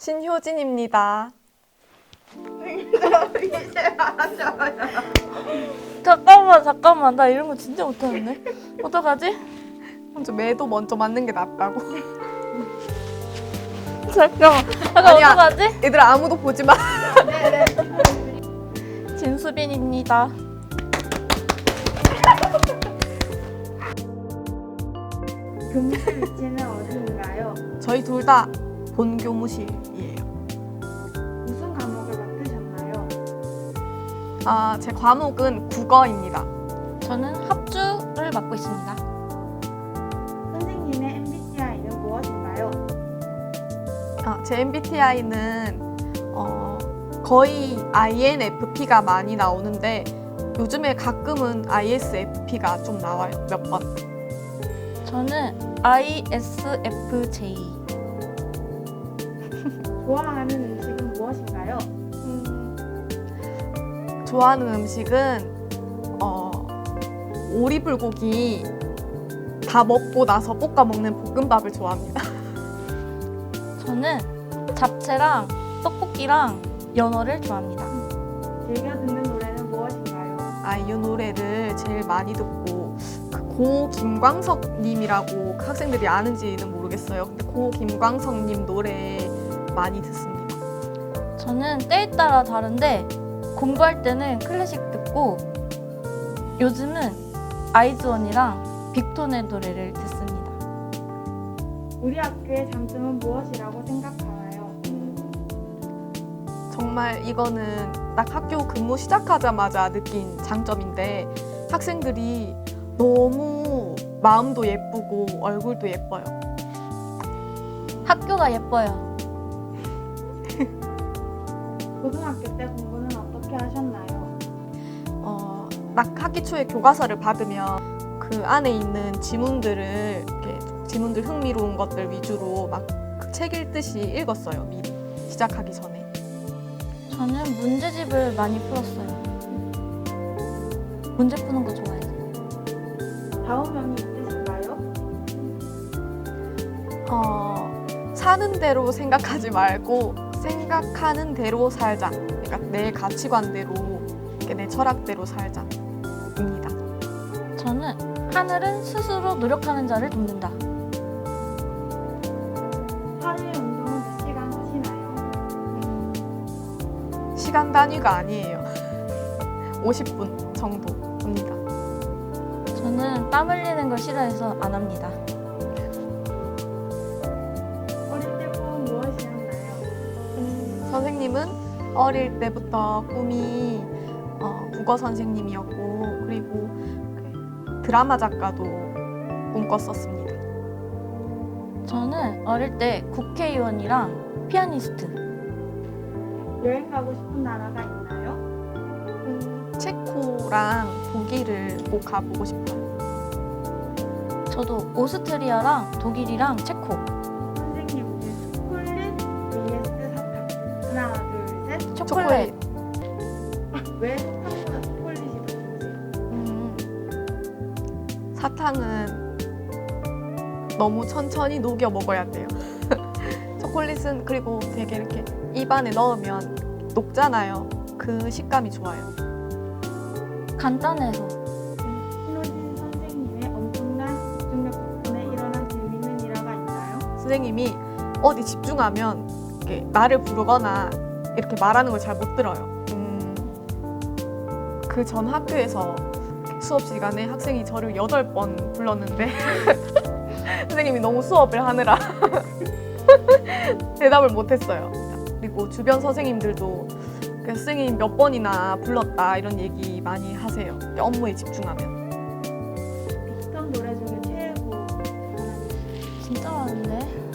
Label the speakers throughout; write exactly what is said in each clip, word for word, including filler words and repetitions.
Speaker 1: 신효진입니다.
Speaker 2: 잠깐만 잠깐만 나 이런 거 진짜 못하는데 어떡하지?
Speaker 1: 먼저 매도 먼저 맞는 게 낫다고.
Speaker 2: 잠깐만 잠깐
Speaker 1: 아니야.
Speaker 2: 어떡하지?
Speaker 1: 얘들아 아무도 보지 마.
Speaker 2: 진수빈입니다.
Speaker 3: 교무실 위치는 어디인가요?
Speaker 1: 저희 둘 다 본교무실이에요.
Speaker 3: 무슨 과목을 맡으셨나요?
Speaker 1: 아, 제 과목은 국어입니다.
Speaker 2: 저는 합주를 맡고 있습니다.
Speaker 3: 선생님의 엠비티아이는 무엇인가요?
Speaker 1: 아, 제 엠비티아이는 어, 거의 아이엔에프피가 많이 나오는데 요즘에 가끔은 아이에스에프피가 좀 나와요. 몇 번.
Speaker 2: 저는 아이에스에프제이.
Speaker 3: 좋아하는 음식은 무엇인가요?
Speaker 1: 음, 좋아하는 음식은 어, 오리불고기 다 먹고 나서 볶아 먹는 볶음밥을 좋아합니다.
Speaker 2: 저는 잡채랑 떡볶이랑 연어를 좋아합니다.
Speaker 3: 즐겨 듣는 노래는 무엇인가요?
Speaker 1: 아이유 노래를 제일 많이 듣고 그 고 김광석 님이라고 학생들이 아는지는 모르겠어요. 근데 고 김광석 님 노래 많이 듣습니다.
Speaker 2: 저는 때에 따라 다른데 공부할 때는 클래식 듣고 요즘은 아이즈원이랑 빅톤의 노래를 듣습니다.
Speaker 3: 우리 학교의 장점은 무엇이라고 생각하나요?
Speaker 1: 정말 이거는 딱 학교 근무 시작하자마자 느낀 장점인데 학생들이 너무 마음도 예쁘고 얼굴도 예뻐요.
Speaker 2: 학교가 예뻐요.
Speaker 3: 고등학교 때 공부는 어떻게 하셨나요?
Speaker 1: 어, 딱 학기 초에 교과서를 받으면 그 안에 있는 지문들을 이렇게 지문들 흥미로운 것들 위주로 막 책 읽듯이 읽었어요. 미리 시작하기 전에.
Speaker 2: 저는 문제집을 많이 풀었어요. 문제 푸는 거 좋아해요.
Speaker 3: 좌우명이 있으신가요?
Speaker 1: 어, 사는 대로 생각하지 말고 생각하는 대로 살자. 그러니까 내 가치관대로, 이렇게 내 철학대로 살자입니다.
Speaker 2: 저는 하늘은 스스로 노력하는 자를 돕는다.
Speaker 3: 하루에 운동은 몇 시간 하시나요?
Speaker 1: 시간 단위가 아니에요. 오십 분 정도입니다.
Speaker 2: 저는 땀 흘리는 걸 싫어해서 안 합니다.
Speaker 3: 어릴 때 꿈은 무엇이었나요?
Speaker 1: 음, 선생님은 어릴 때부터 꿈이 어, 국어 선생님이었고 그리고 드라마 작가도 꿈꿨었습니다.
Speaker 2: 저는 어릴 때 국회의원이랑 피아니스트.
Speaker 3: 여행 가고 싶은 나라가 있나요?
Speaker 1: 음, 체코랑 독일을 꼭 가보고 싶어요.
Speaker 2: 저도 오스트리아랑 독일이랑 체코.
Speaker 3: 선생님, 초콜릿 vs 사탕. 하나, 둘, 셋.
Speaker 2: 초콜릿.
Speaker 3: 왜 사탕보다 초콜릿이 더 좋으세요?
Speaker 1: 음, 사탕은 너무 천천히 녹여 먹어야 돼요. 초콜릿은 그리고 되게 이렇게 입안에 넣으면 녹잖아요. 그 식감이 좋아요.
Speaker 2: 간단해서.
Speaker 3: 신호진 선생님의 엄청난 집중력 덕분에 일어난 재미있는 일화가 있나요?
Speaker 1: 선생님이 어디 집중하면 이렇게 나를 부르거나 이렇게 말하는 걸 잘 못 들어요. 음, 그 전 학교에서 수업 시간에 학생이 저를 여덟 번 불렀는데 선생님이 너무 수업을 하느라 대답을 못했어요. 그리고 주변 선생님들도 그 선생님 몇 번이나 불렀다 이런 얘기 많이 하세요. 업무에 집중하면.
Speaker 3: 빅톤 노래 중에 최애곡 하나
Speaker 2: 진짜 많은데.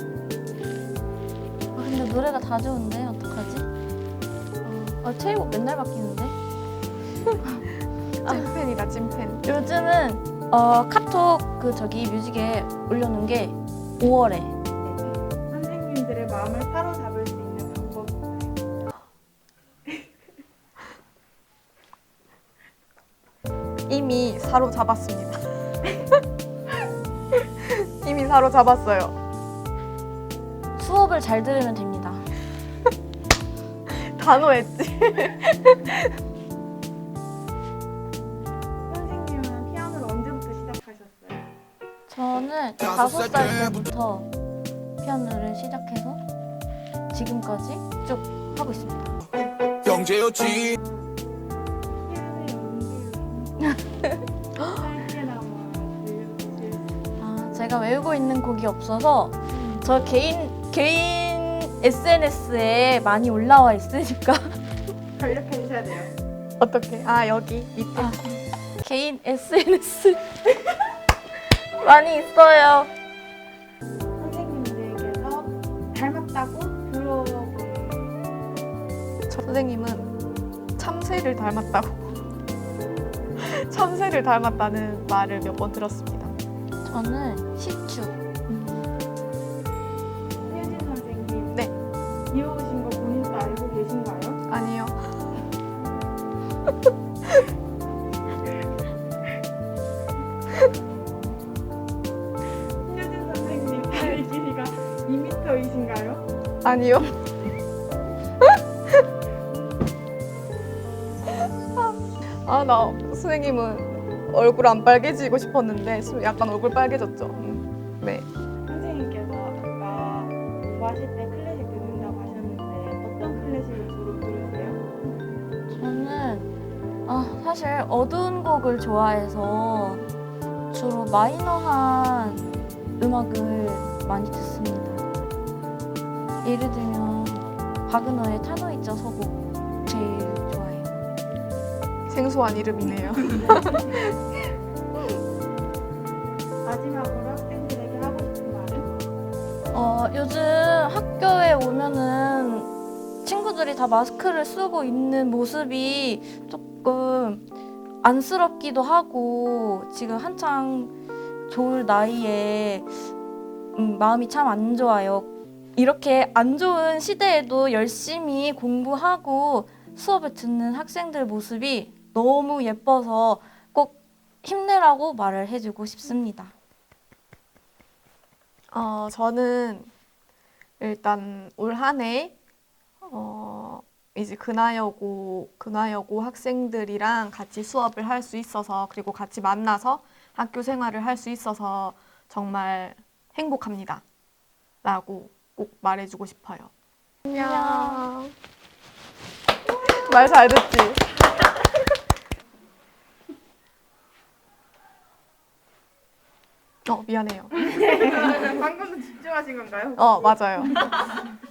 Speaker 2: 아, 근데 노래가 다 좋은데 어떡하지? 어, 아, 최애곡 맨날 바뀌는데.
Speaker 1: 찐팬이다 찐팬.
Speaker 2: 요즘은 어, 카톡 그 저기 뮤직에 올려놓은 게 오월에.
Speaker 3: 선생님들의 마음을 사로잡을 수 있는 방법이 있나요?
Speaker 1: 이미 사로잡았습니다. 이미 사로잡았어요.
Speaker 2: 수업을 잘 들으면 됩니다.
Speaker 1: 단호했지.
Speaker 3: 선생님은 피아노를 언제부터 시작하셨어요?
Speaker 2: 저는 다섯 살 때부터 피아노를 시작해서 지금까지 쭉 하고 있습니다.
Speaker 4: 경제였지.
Speaker 3: 짧게나마 들려주실 수
Speaker 2: 아, 제가 외우고 있는 곡이 없어서 저 개인 개인 에스엔에스에 많이 올라와 있으니까
Speaker 3: 전력해 주셔야 돼요.
Speaker 1: 어떻게? 아 여기 밑에.
Speaker 2: 아, 개인 에스엔에스 많이 있어요.
Speaker 3: 선생님들께서 닮았다고 들어본
Speaker 1: 저 선생님은 참새를 닮았다고. 참새를 닮았다는 말을 몇 번 들었습니다.
Speaker 2: 저는 시추.
Speaker 3: 효진 선생님.
Speaker 1: 네.
Speaker 3: 이어오신 거 본인도 알고 계신가요?
Speaker 1: 아니요.
Speaker 3: 효진 선생님 팔 길이가 이 미터이신가요?
Speaker 1: 아니요. 아, 나 선생님은 얼굴 안 빨개지고 싶었는데 수- 약간 얼굴 빨개졌죠. 음, 네.
Speaker 3: 선생님께서 아까 공부하실 때 클래식 듣는다고 하셨는데 어떤 클래식을 주로 들으세요?
Speaker 2: 저는 아, 사실 어두운 곡을 좋아해서 주로 마이너한 음악을 많이 듣습니다. 예를 들면 바그너의 타노이자 서곡 제일 좋아해요.
Speaker 1: 생소한 이름이네요.
Speaker 3: 마지막으로 학생들에게 하고 싶은 말은?
Speaker 2: 어, 요즘 학교에 오면은 친구들이 다 마스크를 쓰고 있는 모습이 조금 안쓰럽기도 하고 지금 한창 좋을 나이에 음, 마음이 참 안 좋아요. 이렇게 안 좋은 시대에도 열심히 공부하고 수업을 듣는 학생들 모습이 너무 예뻐서 꼭 힘내라고 말을 해주고 싶습니다.
Speaker 1: 어, 저는 일단 올 한 해 어, 이제 근하여고 근하여고 학생들이랑 같이 수업을 할 수 있어서 그리고 같이 만나서 학교 생활을 할 수 있어서 정말 행복합니다. 라고 꼭 말해주고 싶어요. 안녕. 말 잘 듣지? 어, 미안해요.
Speaker 3: 방금도 집중하신 건가요?
Speaker 1: 어, 맞아요.